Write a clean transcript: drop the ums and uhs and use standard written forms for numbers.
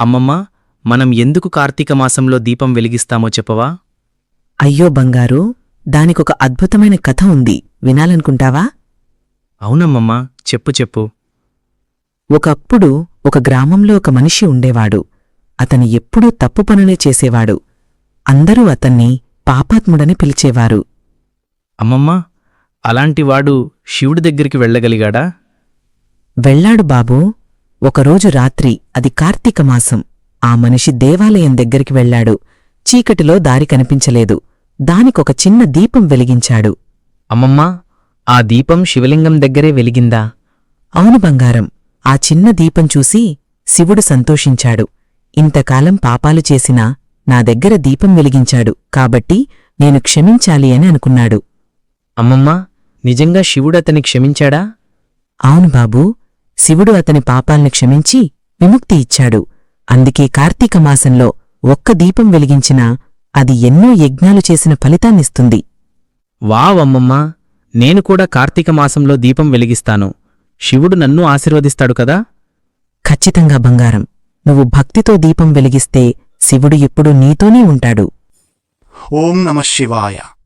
అమ్మమ్మా, మనం ఎందుకు కార్తీక మాసంలో దీపం వెలిగిస్తామో చెప్పవా? అయ్యో బంగారు, దానికొక అద్భుతమైన కథ ఉంది, వినాలనుకుంటావా? అవునమ్మమ్మా, చెప్పు చెప్పు. ఒకప్పుడు ఒక గ్రామంలో ఒక మనిషి ఉండేవాడు. అతను ఎప్పుడూ తప్పు పనులే చేసేవాడు. అందరూ అతన్ని పాపాత్ముడని పిలిచేవారు. అమ్మమ్మా, అలాంటివాడు శివుడి దగ్గరికి వెళ్ళగలిగాడా? వెళ్ళాడు బాబూ. ఒకరోజు రాత్రి, అది కార్తీక మాసం, ఆ మనిషి దేవాలయం దగ్గరికి వెళ్ళాడు. చీకటిలో దారి కనిపించలేదు. దానికొక చిన్న దీపం వెలిగించాడు. అమ్మమ్మా, ఆ దీపం శివలింగం దగ్గరే వెలిగిందా? అవును బంగారం. ఆ చిన్న దీపం చూసి శివుడు సంతోషించాడు. ఇంతకాలం పాపాలు చేసినా నా దగ్గర దీపం వెలిగించాడు కాబట్టి నేను క్షమించాలి అని అనుకున్నాడు. అమ్మమ్మా, నిజంగా శివుడతని క్షమించాడా? అవును బాబూ, శివుడు అతని పాపాల్ని క్షమించి విముక్తి ఇచ్చాడు. అందుకే కార్తీక మాసంలో ఒక్క దీపం వెలిగించినా అది ఎన్నో యజ్ఞాలు చేసిన ఫలితాన్నిస్తుంది. వావ్ అమ్మమ్మా, నేను కూడా కార్తీక మాసంలో దీపం వెలిగిస్తాను. శివుడు నన్ను ఆశీర్వదిస్తాడు కదా? ఖచ్చితంగా బంగారం. నువ్వు భక్తితో దీపం వెలిగిస్తే శివుడు ఎప్పుడూ నీతోనే ఉంటాడు. ఓం నమః శివాయ.